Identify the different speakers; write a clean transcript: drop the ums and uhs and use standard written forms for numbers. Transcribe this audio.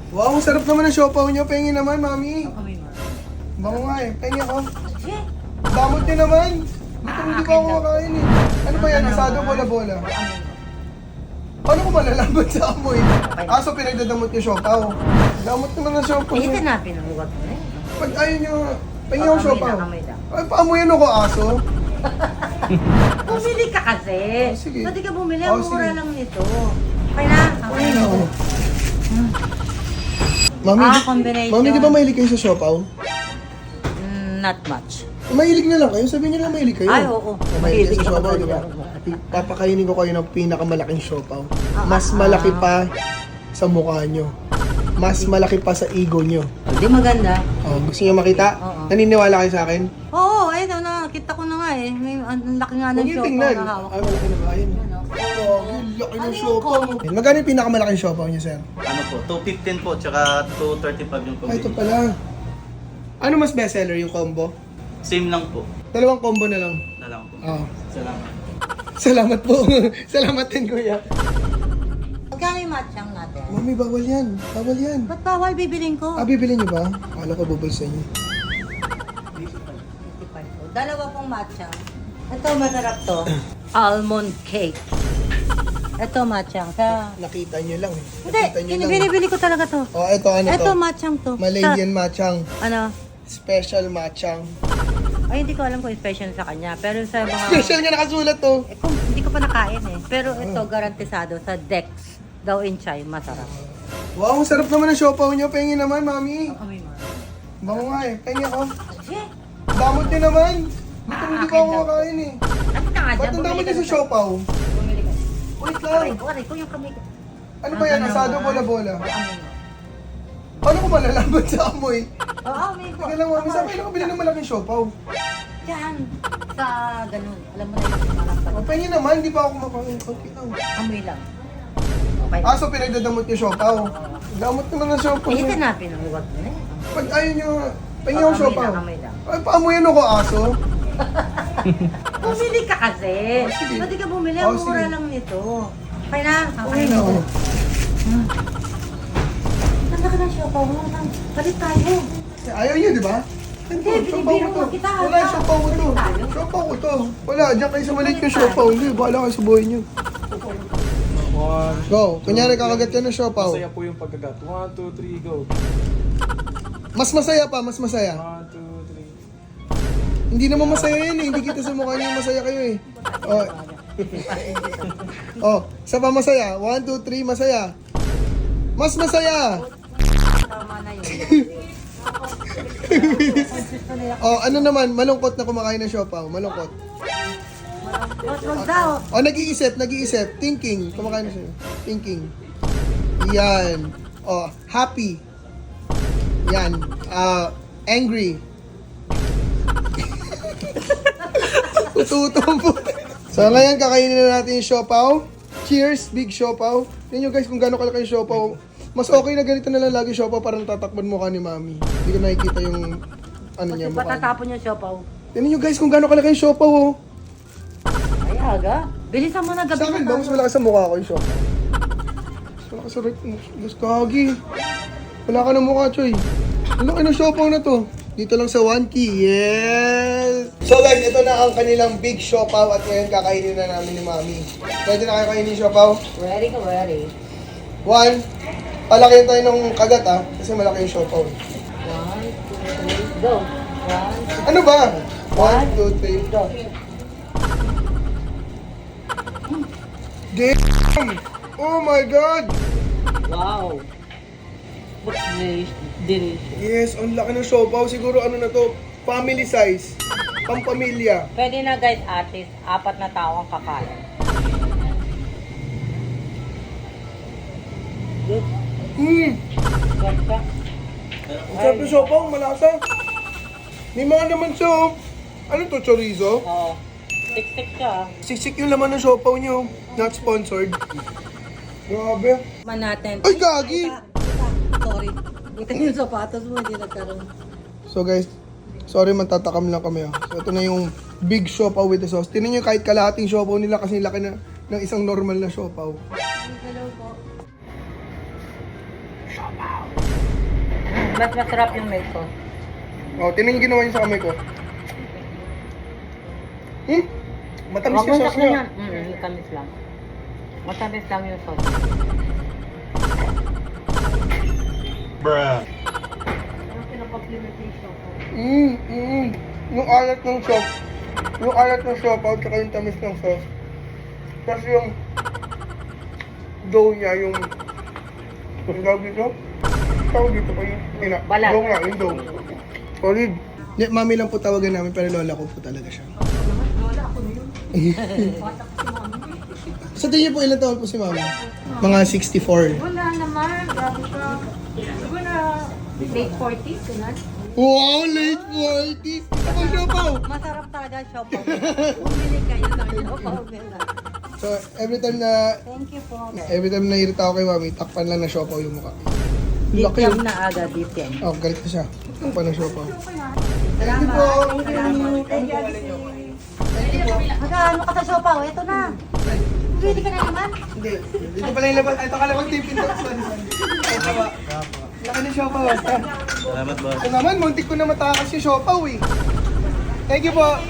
Speaker 1: Wow, ang sarap naman ng siopaw nyo. Pengi naman, mami.
Speaker 2: Kami mo.
Speaker 1: Bango nga eh. Pengi ako.
Speaker 2: Sige.
Speaker 1: Damot nyo naman. Hindi ko ako kakain eh. Ano ba yan? Asado bola-bola.
Speaker 2: Kami mo.
Speaker 1: Paano ko malalaman sa amoy? So pinagdadamot nyo siopaw. Damot naman ng siopaw
Speaker 2: Eh,
Speaker 1: nyo.
Speaker 2: hanapin ang ugat mo eh.
Speaker 1: Pag ayaw nyo, pengi ako siopaw.
Speaker 2: Amoy lang.
Speaker 1: Ay, paamoyan ako aso.
Speaker 2: Bumili ka kasi.
Speaker 1: Sige.
Speaker 2: Pwede ka bumili.
Speaker 1: Oh,
Speaker 2: Ang mura
Speaker 1: sige.
Speaker 2: lang nito. Okay na? Okay na.
Speaker 1: Mami,
Speaker 2: Combination.
Speaker 1: mami, di ba mahilig kayo sa siopaw?
Speaker 2: Not much.
Speaker 1: Mahilig na lang kayo. Sabihin nyo lang mahilig kayo.
Speaker 2: Ay, oo.
Speaker 1: Mahilig kayo sa
Speaker 2: Mahilig
Speaker 1: siopaw,
Speaker 2: ako
Speaker 1: di ba?
Speaker 2: talaga.
Speaker 1: Papakainin ko kayo ng pinakamalaking siopaw. Mas malaki pa sa mukha nyo. Mas malaki pa sa ego nyo.
Speaker 2: Hindi maganda.
Speaker 1: Oh, gusto nyo makita?
Speaker 2: Oo.
Speaker 1: Naniniwala kayo sa akin?
Speaker 2: Oo, eh, nakita ko na nga eh. May ang laki nga ng
Speaker 1: Huwag nyo
Speaker 2: siopaw
Speaker 1: tingnan.
Speaker 2: na hawak.
Speaker 1: Ay, malaki na ba? Ayun.
Speaker 2: Yan, oh.
Speaker 1: Oh, ang laki ng
Speaker 2: Ano yung
Speaker 1: siopaw.
Speaker 2: combo?
Speaker 1: Magkano yung pinakamalaking siopaw nyo, sir?
Speaker 3: Ano po, 215 po, tsaka 235 yung
Speaker 1: Ay, ito
Speaker 3: combination.
Speaker 1: pala. Ano mas bestseller, yung combo?
Speaker 3: Same lang po.
Speaker 1: Dalawang combo na lang.
Speaker 3: Na lang po.
Speaker 1: Oh.
Speaker 3: Salamat.
Speaker 1: Salamat po. Salamat din, kuya.
Speaker 2: Magkano yung matchang natin?
Speaker 1: Mami, bawal yan. Bawal yan.
Speaker 2: Ba't bawal bibiling ko?
Speaker 1: Bibili niyo ba? Akala ko bubulsa niyo.
Speaker 2: 55. Dalawa pong matchang. Ito, masarap to. Almond cake. Ito, matchang.
Speaker 1: Nakita niyo lang eh.
Speaker 2: Hindi,
Speaker 1: Nakita niyo lang.
Speaker 2: binibili ko talaga to.
Speaker 1: Oh, ito ano
Speaker 2: Ito,
Speaker 1: to?
Speaker 2: matchang to.
Speaker 1: Malaysian matchang.
Speaker 2: Ano?
Speaker 1: Special matchang.
Speaker 2: Ay, hindi ko alam kung special sa kanya. Pero sa mga...
Speaker 1: Special nga nakasulat to.
Speaker 2: Eh, kung, hindi ko pa nakain eh. Pero ito, garantisado sa Dex. Daw in Chai, masarap.
Speaker 1: Wow, ang sarap naman ng siopaw niyo. Pengi naman, mami.
Speaker 2: Kami mo.
Speaker 1: Bango nga eh. Pengi ako.
Speaker 2: Sige.
Speaker 1: Damot niyo naman. Hindi ko ako kakain eh.
Speaker 2: Ano ka nga
Speaker 1: Ba't
Speaker 2: dyan?
Speaker 1: ang damot
Speaker 2: Bumili
Speaker 1: niyo
Speaker 2: ka
Speaker 1: sa siopaw?
Speaker 2: Bumili ka.
Speaker 1: Wait
Speaker 2: Aray
Speaker 1: lang.
Speaker 2: ko, yung kamay ko.
Speaker 1: Ano ba yan? Asado bola-bola.
Speaker 2: Kami mo.
Speaker 1: Paano ko malalaman sa amoy?
Speaker 2: Oo, may ko.
Speaker 1: Teka lang, mami. Saan kayo nakabili ng malaking siopaw?
Speaker 2: Diyan. Sa ganun. Alam mo na yung malang
Speaker 1: O, pengi naman. Hindi pa ako kumakain. Konti lang.
Speaker 2: Amoy lang. Okay.
Speaker 1: So pinagdadamot niyo siopaw. Damot naman ng siopaw.
Speaker 2: Eh, hanapin ang ugat mo eh.
Speaker 1: Pag ayaw nyo, pengi ako siopaw.
Speaker 2: Amoy lang.
Speaker 1: Ay, paamuyan ako aso.
Speaker 2: Bumili ka kasi.
Speaker 1: sige.
Speaker 2: Pwede ka bumili.
Speaker 1: Oh,
Speaker 2: Ang mura
Speaker 1: sige.
Speaker 2: lang nito. Okay na?
Speaker 1: Okay na ako.
Speaker 2: Ganda ka ng siopaw mo. Balik tayo.
Speaker 1: Ayaw nyo, di ba?
Speaker 2: Hindi,
Speaker 1: siopaw
Speaker 2: binibiro
Speaker 1: ko
Speaker 2: mo
Speaker 1: to.
Speaker 2: kita.
Speaker 1: Wala, siopaw ko to.
Speaker 2: Tayo.
Speaker 1: Siopaw ko to. Wala, diyan kayo sa maliit yung siopaw. Hindi, bahala kayo sa buhay nyo. Go. Kunyari kakagat ka ng siopaw.
Speaker 4: Masaya po yung pagkagat. 1, 2, 3, go.
Speaker 1: Mas masaya pa, mas masaya.
Speaker 4: 1, 2, 3.
Speaker 1: Hindi naman masaya yan eh. Hindi kita sa mukha niyo masaya kayo eh. Oh. Oh, isa pa masaya. 1, 2, 3, masaya. Mas masaya.
Speaker 2: Tama na yun.
Speaker 1: Oh, ano naman, malungkot na kumakain ng siopaw. Malungkot.
Speaker 2: Wag daw.
Speaker 1: Oh, nag-iisip. Thinking. Kumakain na siya. Thinking. Yan. Oh, happy. Yan. Angry. Tututong po. So, ngayon, kakainin na natin yung siopaw. Cheers, big siopaw. Tingnan nyo guys kung gano'ng kalaki yung siopaw. Mas okay na ganito na lang lagi siopaw para natatakban mukha ni mami. Hindi ko nakikita yung ano niya, mukha niya.
Speaker 2: Patatapon yung siopaw.
Speaker 1: Tingnan nyo guys kung gano'ng kalaki yung siopaw, oh.
Speaker 2: Ay, aga. Bilisan mo na gabi
Speaker 1: Sa akin
Speaker 2: na
Speaker 1: ba, mas malakas sa mukha ko yung siopaw. Mas malakas sa right. Mas kagi. Wala ka ng mukha, Choy. Ang laki ng siopaw na to. Dito lang sa 1 key. Yes! So guys, ito na ang kanilang big siopaw at ngayon kakainin na namin ni Mami. Pwede na kayo kainin yung siopaw?
Speaker 2: Ready ka, ready.
Speaker 1: 1. Palakihin tayo ng kagat kasi malaki yung siopaw.
Speaker 2: 1, 2, 3, go. 1,
Speaker 1: Ano ba? 1, 2, 3.
Speaker 2: go.
Speaker 1: Damn! Oh my God!
Speaker 2: Wow. What's delicious?
Speaker 1: Yes, ang laki ng siopaw. Siguro ano na to, family size. Pampamilya.
Speaker 2: Pwede na guys, artist. 4 na tao ang kakain. Good. Ganda.
Speaker 1: Ang sarap ng siopaw, malasa. May mga naman siya, oh. Ano to, chorizo?
Speaker 2: Oo. Tik-tik siya.
Speaker 1: Siksik yung laman ng siopaw niyo. Not sponsored. Grabe.
Speaker 2: Man natin.
Speaker 1: Ay, gagi!
Speaker 2: Sorry. Buti yung sapatos mo, hindi nagkaroon.
Speaker 1: So guys, sorry matatakam lang kami. So ito na yung big siopaw with the sauce. Tinan nyo kahit kalahating siopaw nila kasi laki na ng isang normal na siopaw.
Speaker 2: Hello po. Mas masarap yung milk ko.
Speaker 1: Oh, tinan yung ginawa niya sa kamay ko. Matamis
Speaker 2: Huwag
Speaker 1: yung
Speaker 2: mong
Speaker 1: sauce niya.
Speaker 2: takpan yan. Tamis lang. Matamis lang yung sauce.
Speaker 1: Yung alat ng sauce. Yung alat ng siopaw, tsaka yung tamis ng sauce. Tapos yung dough niya, yung tawag dito? Tawag dito pa yung
Speaker 2: Balat.
Speaker 1: dough nga, yung dough. Solid. Mami lang po tawagan namin, pero lola ko po talaga siya.
Speaker 2: Wala ako na yun. Bata ko si mami.
Speaker 1: Sa tingin po, ilang taon po si mami? Mga 64.
Speaker 2: Wala naman. Grabe siya. Siguro na late 40s, ganun.
Speaker 1: Wow, late 40s! Ako siopaw!
Speaker 2: Masarap talaga ang siopaw. Bumili kayo ng siopaw nila.
Speaker 1: So, every time na irita ako kay mami, takpan lang na siopaw yung mukha. Laki
Speaker 2: Dityam
Speaker 1: yun.
Speaker 2: na agad, dityam.
Speaker 1: Oh, galit na siya. Takpan ng siopaw.
Speaker 2: Salamat.
Speaker 1: po.
Speaker 2: Thank you. Magkano ka sa siopaw? Ito na. Ready ka na naman?
Speaker 1: Hindi. Dito pala yung labas. Ito ka lang tipin to. Sorry. Ito ba? Laki ng siopaw.
Speaker 3: Salamat boss.
Speaker 1: Ito naman, muntik ko na matakas yung siopaw eh. Thank you po.